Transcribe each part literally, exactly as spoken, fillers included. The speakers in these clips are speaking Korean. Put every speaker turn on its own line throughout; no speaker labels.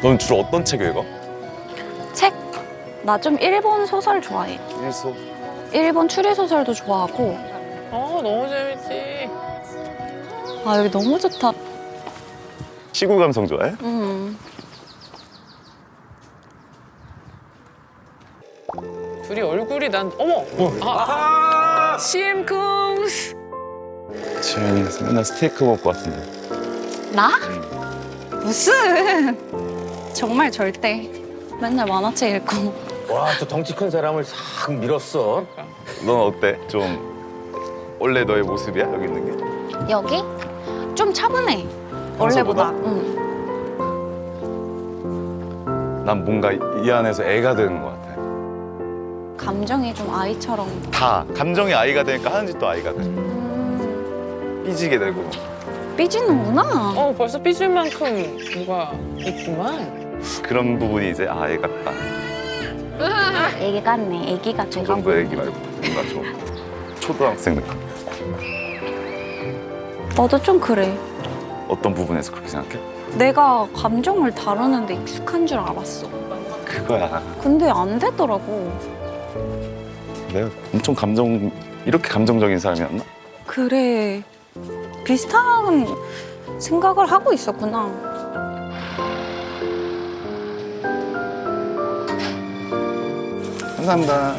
넌 주로 어떤 책 읽어?
책? 나 좀 일본 소설 좋아해.
일소.
일본 추리소설도 좋아하고.
어 너무 재밌지.
아, 여기 너무 좋다.
시골 감성 좋아해?
음.
둘이 얼굴이 난 어머. 아, 씨엠 쿵스.
지현이 맨날 스테이크 먹을 것 같은데.
나? 무슨. 정말 절대. 맨날 만화책 읽고.
와, 또 덩치 큰 사람을 싹 밀었어.
넌 어때? 좀 원래 너의 모습이야? 여기 있는 게?
여기? 좀 차분해. 원래보다. 응.
난 뭔가 이 안에서 애가 되는 것 같아.
감정이 좀 아이처럼.
다 감정이 아이가 되니까 하는 짓도 아이가 돼.
음.
삐지게 되고.
삐지는구나.
어 벌써 삐질 만큼 뭐가 있구만.
그런 부분이 이제 아, 애 같다.
애기 같네. 애기 같아.
저 정도 애기 말고 뭔가 좀 초등학생 느낌.
너도 좀 그래.
어떤 부분에서 그렇게 생각해?
내가 감정을 다루는데 익숙한 줄 알았어.
그거야.
근데 안 되더라고.
내가 엄청 감정 이렇게 감정적인 사람이었나?
그래. 비슷한 생각을 하고 있었구나.
감사합니다.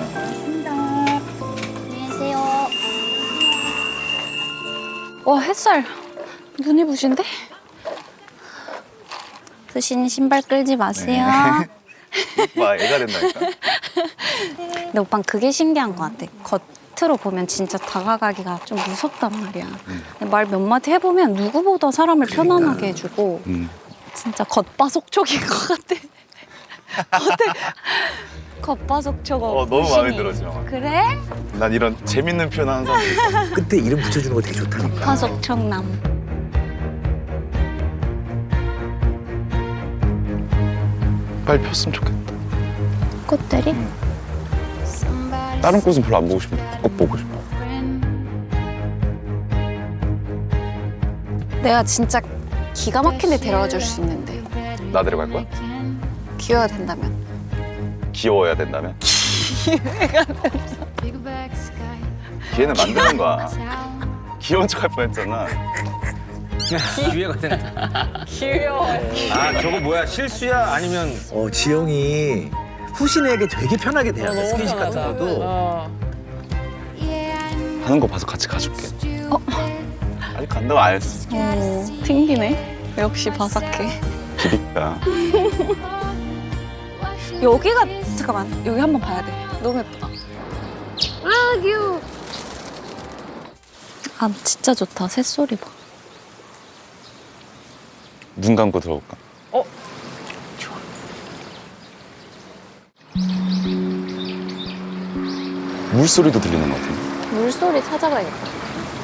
안녕하세요. 와, 햇살. 눈이 부신데? 부신 신발 끌지 마세요.
와, 애가 된다니까.
근데 오빠는 그게 신기한 것 같아. 겉으로 보면 진짜 다가가기가 좀 무섭단 말이야.
음.
말 몇 마디 해보면 누구보다 사람을 편안하게 해주고
음.
진짜 겉바속촉인 것 같아. 겉에 겉바속촉.
어, 너무 마음에 들어, 지금.
그래?
난 이런 재밌는 표현 하는 사람 있어.
끝에 이름 붙여주는 거 되게 좋다니까.
겉바속촉남.
빨리 폈으면 좋겠다.
꽃들이?
다른 꽃은 별로 안 보고 싶은데 꽃 보고 싶어.
내가 진짜 기가 막힌 데 데려가 줄 수 있는데
나 데려갈 거야?
기회가 된다면.
귀여워야 된다면? 기회는 만드는 거야. 귀여운 척 할 뻔했잖아.
기회가 된다.
귀여워.
아, 저거 뭐야? 실수야? 아니면 어, 지영이 후신에게 되게 편하게 대야 돼. 스킨십 같은 것도.
어.
하는 거 봐서 같이 가줄게.
어?
아직 간다고 안 했어.
어, 튕기네. 역시 바삭해.
기립다.
여기가 잠깐만 여기 한번 봐야 돼. 너무 예쁘다. 아 귀여워. 아 진짜 좋다. 새소리 봐.
눈 감고 들어볼까?
어?
좋아.
물소리도 들리는 것 같은데.
물소리 찾아가야겠다.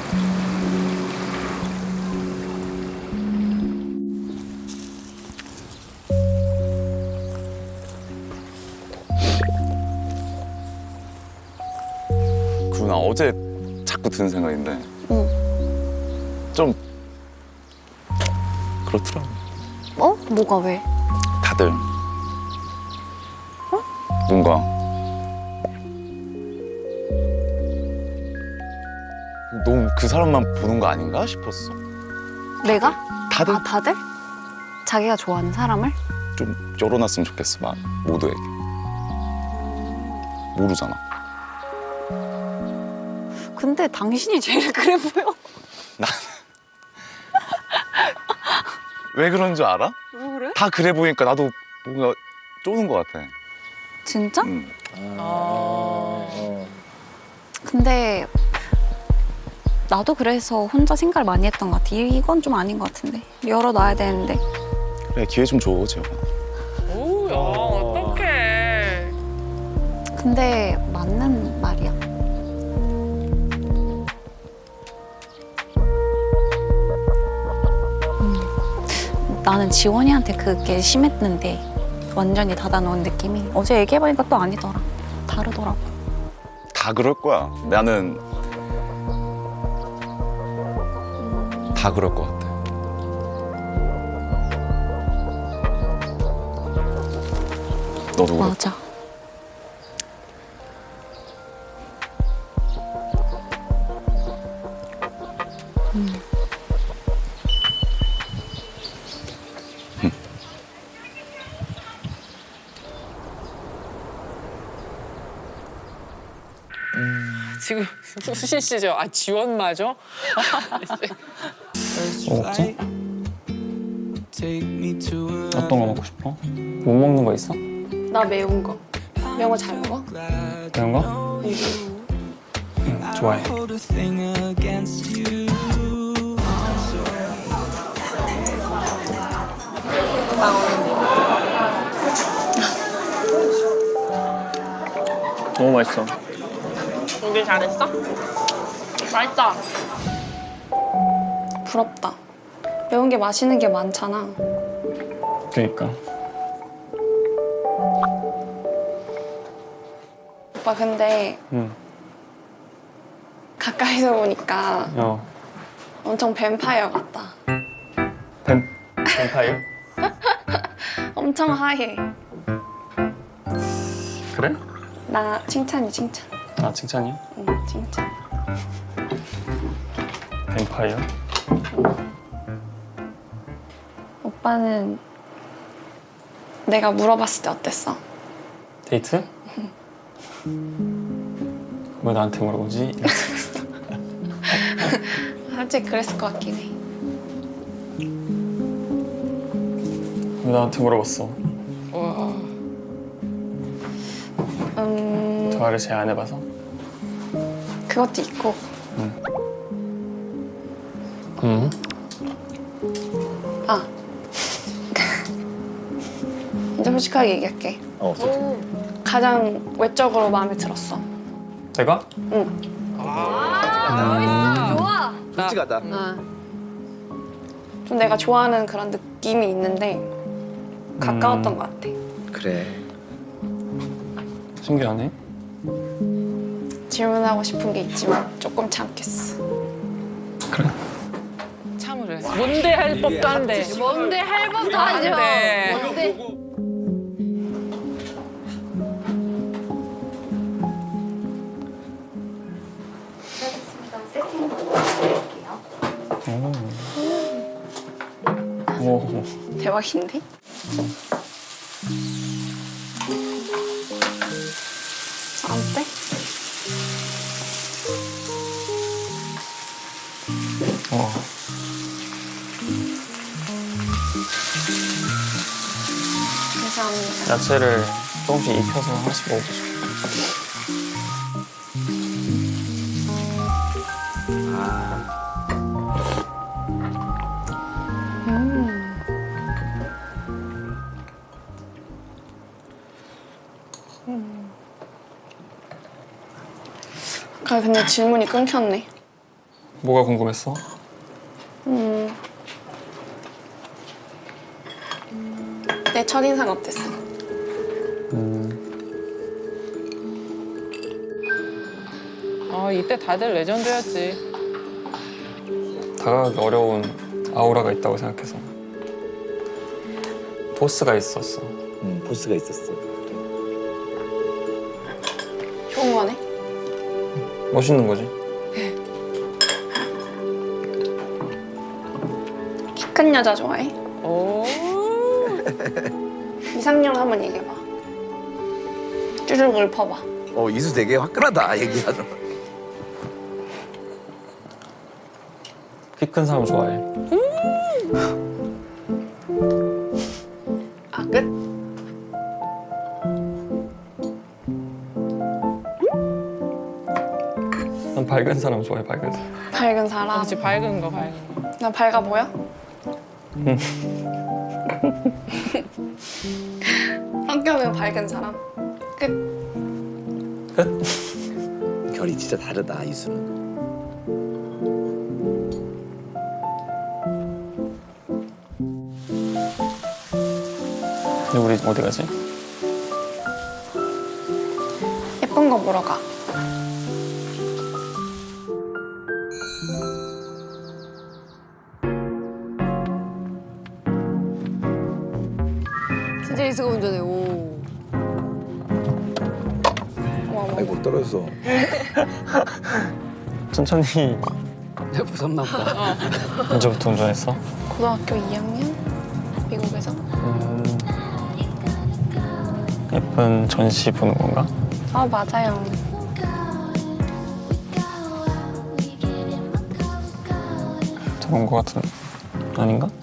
그나 어제 자꾸 드는 생각인데
응.
좀 그렇더라고.
어? 뭐가 왜?
다들 뭔가 너무 그 사람만 보는 거 아닌가 싶었어.
내가?
다들
아 다들? 자기가 좋아하는 사람을?
좀 열어놨으면 좋겠어, 막 모두에게. 모르잖아.
근데 당신이 제일 그래 보여.
왜 그런 줄 알아?
왜 그래?
다 그래 보이니까 나도 뭔가 쪼는 것 같아.
진짜?
응.
아.
근데 나도 그래서 혼자 생각을 많이 했던 것 같아. 이- 이건 좀 아닌 것 같은데. 열어놔야 되는데.
그래, 기회 좀 줘, 지영아.
오야 어떡해.
근데 맞는 말이야. 음. 나는 지원이한테 그게 심했는데 완전히 닫아놓은 느낌이 어제 얘기해보니까 또 아니더라. 다르더라고.
다 그럴 거야. 나는 다 그럴 것 같아. 너도 그렇고.
맞아.
지금 수신 씨죠? 아 지원 맞아?
뭐 먹지? 어떤 거 먹고 싶어? 못 먹는 거 있어?
나 매운 거. 매운 거 잘 먹어?
매운 거? 응, 좋아해. 너무 맛있어.
준비 잘했어? 맛있다.
부럽다. 매운 게 맛있는 게 많잖아.
그러니까.
오빠 근데
응.
가까이서 보니까
어.
엄청 뱀파이어 같다.
뱀 뱀파이어?
엄청 하얘.
그래?
나 칭찬이 칭찬.
아 칭찬이야?
응, 칭찬.
뱀파이어?
오빠는 내가 물어봤을 때 어땠어?
데이트? 왜 나한테 물어보지?
솔직히 그랬을 것 같긴 해.
왜 나한테 물어봤어?
와.
음,
대화를 잘 안 해봐서?
그것도 있고
응?
아 이제 솔직하게 얘기할게.
어, 솔직히.
가장 외적으로 마음에 들었어.
내가?
응.
좋아.
솔직하다.
아. 좀 내가 좋아하는 그런 느낌이 있는데 가까웠던
음.
것 같아.
그래.
신기하네.
질문하고 싶은 게 있지만 조금 참겠어.
그래.
참으래. 뭔데 할 법도 한데.
뭔데 할 법도 하죠.
네.
뭔데?
오. 오.
대박인데? 어때?
어.
감사합니다.
야채를 조금씩 익혀서 하나씩 먹어보자.
아 근데 질문이 끊겼네.
뭐가 궁금했어?
음. 내 첫인상 어땠어?
음.
아 이때 다들 레전드였지.
다가가기 어려운 아우라가 있다고 생각해서. 보스가 있었어.
응, 보스가 있었어.
좋은 거네?
멋있는 거지.
키 큰 여자 좋아해?
오.
이상형 한번 얘기해봐. 쭈르륵 읊어봐.
어, 이수 되게 화끈하다, 얘기하는.
키 큰 사람 좋아해.
아 끝?
난 밝은 사람 좋아해, 밝은 사람.
밝은 사람.
그렇지 밝은 거 밝은 거.
나 밝아 보여? 성격은 밝은 사람. 끝.
끝?
결이 진짜 다르다, 이수는.
근데 우리 어디 가지?
예쁜 거 보러 가.
진짜 이수가 운전해. 오.
아이고 떨어졌어.
천천히
무섭나 보다.
언제부터 운전했어?
고등학교 이 학년? 미국에서?
음, 예쁜 전시 보는 건가?
아, 맞아요.
저런 거 같은 아닌가?